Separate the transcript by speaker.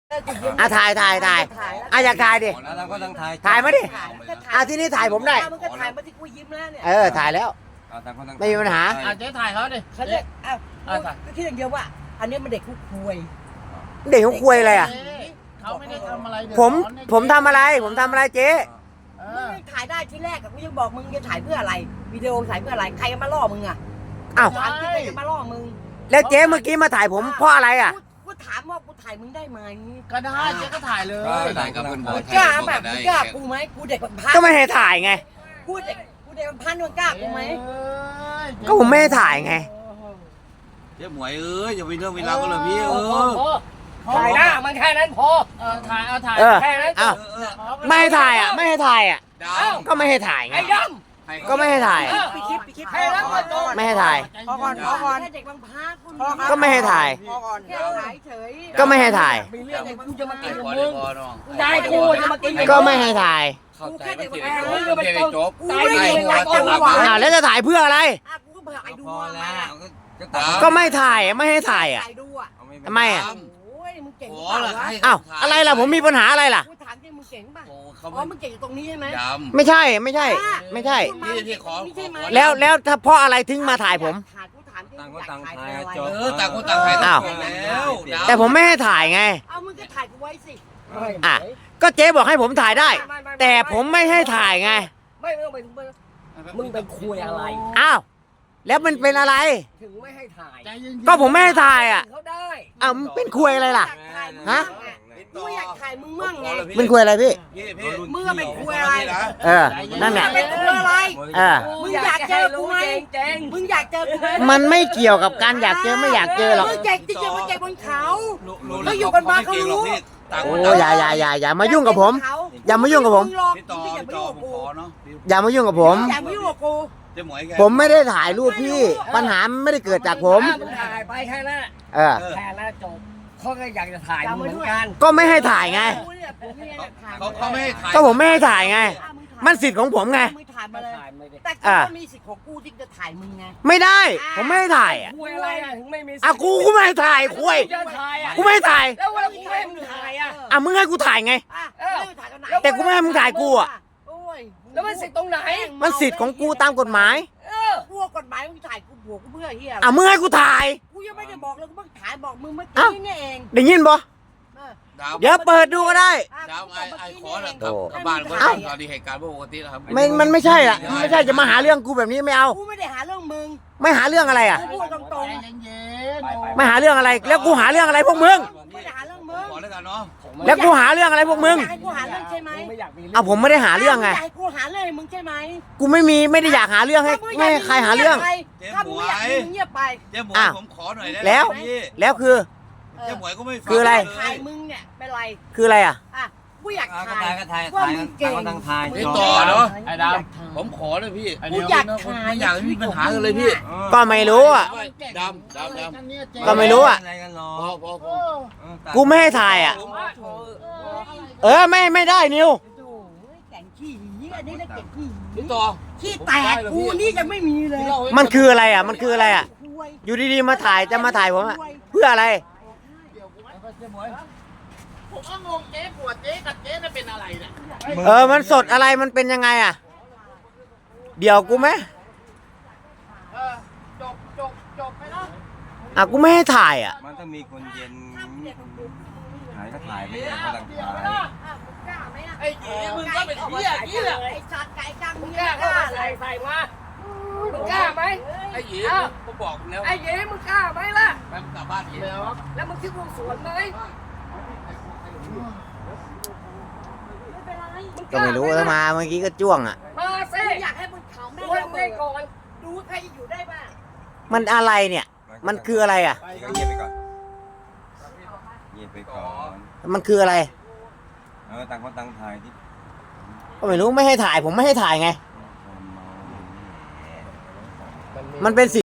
Speaker 1: ถ่ายอยากถ่ายดิ
Speaker 2: แล้วก็ต้องถ่าย
Speaker 1: ถ่ายมาดิที่นี่ถ่ายผมได้
Speaker 3: มันก็ถ่ายมาที่กูยิ้มแล้วเนี่ย
Speaker 1: ถ่ายแล้วไม่มีปัญหา
Speaker 4: เจ๊ถ่ายเขาดิ
Speaker 3: เขาเรียกก็คิดอย่างเดียวว่าอันนี้มันเด็กคุกคุย
Speaker 1: เด็กเขาคุยอะไรอ่ะ
Speaker 4: เขาไม่ได้ทำอะไร
Speaker 1: ผมทำอะไรเจ๊
Speaker 3: มึงถ่ายได้ที่แรกกูยังบอกมึงจะถ่ายเพื่ออะไรวิดีโอถ่ายเพื่ออะไรใครมาล่อมึงอ่ะถามที่ใครมาล่อมึง
Speaker 1: แล้วเจ๊เมื่อกี้มาถ่ายผมเพราะอะไรอ่ะ
Speaker 3: กูถามว่ากูถ่ายมึงได้ไหม
Speaker 4: ก็ได้เจ๊ก็ถ่ายเลย
Speaker 2: ถ่ายกับเพื่อนบอส
Speaker 3: กล้าแบบกล้ากูไหมกูเด็กพัน
Speaker 1: ก็ไม่ให้ถ่ายไง
Speaker 3: กูเด็กพันมึงกล้ากูไหม
Speaker 1: ก็ผมไม่ให้ถ่ายไง
Speaker 2: เจ๊หมวยอย่าไปเรื่องเวลาก็เลยพี่
Speaker 4: ถ่ายหน้ามันแค่นั้นพอถ่ายแค่นั้น
Speaker 1: ไม่ให้ถ่ายอ่ะก็ไม่ให้ถ่ายไงก็ไม่ให้ถ่าย
Speaker 3: ปีคลิป
Speaker 1: ไม่ให้ถ่าย
Speaker 3: พอก่อนเด็กบางพา
Speaker 1: ก็ไม่ให้ถ่ายก็ไม่ให้ถ่าย
Speaker 3: มีเรื่องกูจะมากินกับมึงได้กูจะมากิน
Speaker 1: ก็ไม่ให้ถ่าย
Speaker 3: กูแค่เด็กบางพา
Speaker 2: จบ
Speaker 1: แล้วจะถ่ายเพื่ออะไร
Speaker 3: กูก็เผื่อไอ้ดู
Speaker 1: ก็ไม่ถ่ายไม่ให้ถ่ายอ่ะทำไมอ่ะอะไรล่ะผมมีปัญหาอะไรล่ะ
Speaker 3: กูถามจริงมึงเก่งป่ะมึงเก่งตรงนี้ใช่ไหม
Speaker 1: ไม่ใช่แล้วถ้าเพราะอะไรถึงมาถ่ายผม
Speaker 2: ต่างคนต่างถ่ายแล้ว
Speaker 1: แต่ผมไม่ให้ถ่ายไง
Speaker 3: มึงก็ถ่ายกูไว้สิ
Speaker 1: ก็เจ๊บอกให้ผมถ่ายได้แต่ผมไม่ให้ถ่ายไง
Speaker 3: มึงเป็นคุยอะไร
Speaker 1: แล้วมันเป็นอะไร
Speaker 3: ถึงไม่ให้ถ่าย
Speaker 1: ก็ผมไม่ให้ถ่ายอ่ะมันเป็นคุยอะไรล่ะฮะ
Speaker 3: กูอยากถ่ายมึงมั่งไง
Speaker 1: เป็นคุยอะไรพี่
Speaker 3: มึงเป็นคุยอะไร
Speaker 1: นั่นแหละ
Speaker 3: เป็นคุยอะไรมึงอยากเจอกูไหมมึงอยากเจอกูไหม
Speaker 1: มันไม่เกี่ยวกับการอยากเจอไม่อยากเจอหรอก
Speaker 3: มึงเก่งจริงๆมึงเก่งบนเขาเขาอยู่กันมาเขารู้
Speaker 1: อย่ามายุ่งกับผมอย่ามายุ่งกับผมอย่ามายุ่งกับผมผมไม่ได้ถ่ายรูปพี่ปัญหาไม่ได้เกิดจากผม
Speaker 3: ถ่ายไปแค่นั้นแค่นั้นจบเขาก็อยากจะถ่ายเหมือนกัน
Speaker 1: ก็ไม่ให้ถ่ายไง
Speaker 2: เขาไม่ให้ถ่าย
Speaker 1: ก็ผมไม่ให้ถ่ายไงมันสิทธิ์ของผมไง
Speaker 3: แต่ก็มีสิทธิ์ของกูที่จะถ่ายมึงไง
Speaker 1: ไม่ได้ผมไม่ให้ถ่าย
Speaker 3: คุยอะไรถึงไม่มี
Speaker 1: กูไม่ให้ถ่ายคุยกูไม่ให้ถ่าย
Speaker 3: แล้วว่ากูไม่ให้มึงถ่าย
Speaker 1: มึงให้กูถ่ายไงแต่กูไม่ให้มึงถ่ายกู
Speaker 3: แล้วมันสิทธิ์ตรงไหน
Speaker 1: มันสิทธิ์ของกูตามกฎหมาย
Speaker 3: กูกฎหมายมึงถ่ายกูบวกกูเพื่อเฮีย
Speaker 1: มึงให้กูถ่าย
Speaker 3: กูยังไม่ได้บอกเลยกูเพิ่งถ่ายบอกมึงเมื่อกี้นี่เอง
Speaker 1: ได้ยินบ่เดี๋ยวเปิดดูก็ได้
Speaker 2: ดาวไอ้ขอแล้วกับบ้านเมื่อตอนนี้เหตุการณ์ปกติแล้วครับ
Speaker 1: มันไม่ใช่ละไม่ใช่จะมาหาเรื่องกูแบบนี้ไม่เอา
Speaker 3: กูไม่ได้หาเรื่องมึง
Speaker 1: ไม่หาเรื่องอะไร
Speaker 3: กูพูดตรง
Speaker 1: ๆไม่หาเรื่องอะไรแล้วกูหาเรื่องอะไรพวกมึง
Speaker 3: ไม่ได้หาเรื่องมึง
Speaker 2: ขอแล้วกันเนาะ
Speaker 1: แล้วกูหาเรื่องอะไรพวกมึง
Speaker 3: ให้กูหาเรื่องใช่ไหม
Speaker 1: ผมไม่ได้หาเรื่องไง
Speaker 3: ให้กูหาเรื่องมึงใช่ไหม
Speaker 1: กูไม่ได้อยากหาเรื่องให้ใครหาเรื่อง
Speaker 3: ถ้ามึงอยากเงียบไป
Speaker 2: เจ๊หมวยผมขอหน่อยได้
Speaker 1: แล้วคือ
Speaker 2: เจ๊หมวยก็ไม่ฟัง
Speaker 1: คืออะไร
Speaker 3: ถ่ายมึงเนี่ยเป็นไร
Speaker 1: คืออะไร
Speaker 3: กูอยากถ่าย
Speaker 2: ว่ามึงเก่งพี่ต่อเนาะไอ้ดาวผมขอเลยพี่
Speaker 3: กูอยากถ่าย
Speaker 2: ไม่อยากมีปัญหากันเลยพี่
Speaker 1: ก็ไม่รู้
Speaker 2: ดำ
Speaker 1: ก็ไม่รู้กูไม่ให้ถ่ายไม่ได้นิว
Speaker 3: แก่งขี้อันนี้นะเก่งขี้
Speaker 2: พี่ต่อ
Speaker 3: ขี้แตกกูนี่ยังไม่มีเลย
Speaker 1: มันคืออะไรมันคืออะไรอยู่ดีๆมาถ่ายจะมาถ่ายผมเพื่ออะไร
Speaker 4: ผมก็งงเจ๊ปวดเจ๊กับเจ๊น่ะเป็นอะไรเนี่ย
Speaker 1: มันสดอะไรมันเป็นยังไงเดี๋ยวกูไหม
Speaker 4: จบไปแล้ว
Speaker 1: กูไม่ให้ถ่าย
Speaker 2: มันต้องมีคนเย็นถ่ายก็ถ่ายไม่ได้ก็ต้องถ่าย
Speaker 4: ไอ้เจ๊มึงก็เป็นเหี้ยนี่แหละ
Speaker 3: ไอ้สัตว์ไก่จังมึง
Speaker 4: กล้าเข้ามาใส่มามึงกล้าไหม
Speaker 2: ไอ้เจ๊ผมบอกแล้ว
Speaker 4: ไอ้เจ๊มึงกล้าไหมล่ะ
Speaker 2: แป๊บกลับบ้านเจ๊
Speaker 4: แล้วมึงคิดวงสวนไหม
Speaker 1: ก็ไม่รู้ถ้ามาเมื่อกี้ก็จ้วง
Speaker 3: มาสิอยากให้มึงเขาไม่ได้ก่อนดูใครจะอยู่ได้บ้าง
Speaker 1: มันอะไรเนี่ยมันคืออะไร
Speaker 2: เงียบไปก่อนเงียบไปก่อน
Speaker 1: มันคืออะไร
Speaker 2: ต่างคนต่างถ่ายที่
Speaker 1: ก็ไม่รู้ไม่ให้ถ่ายผมไม่ให้ถ่ายไงมันเป็น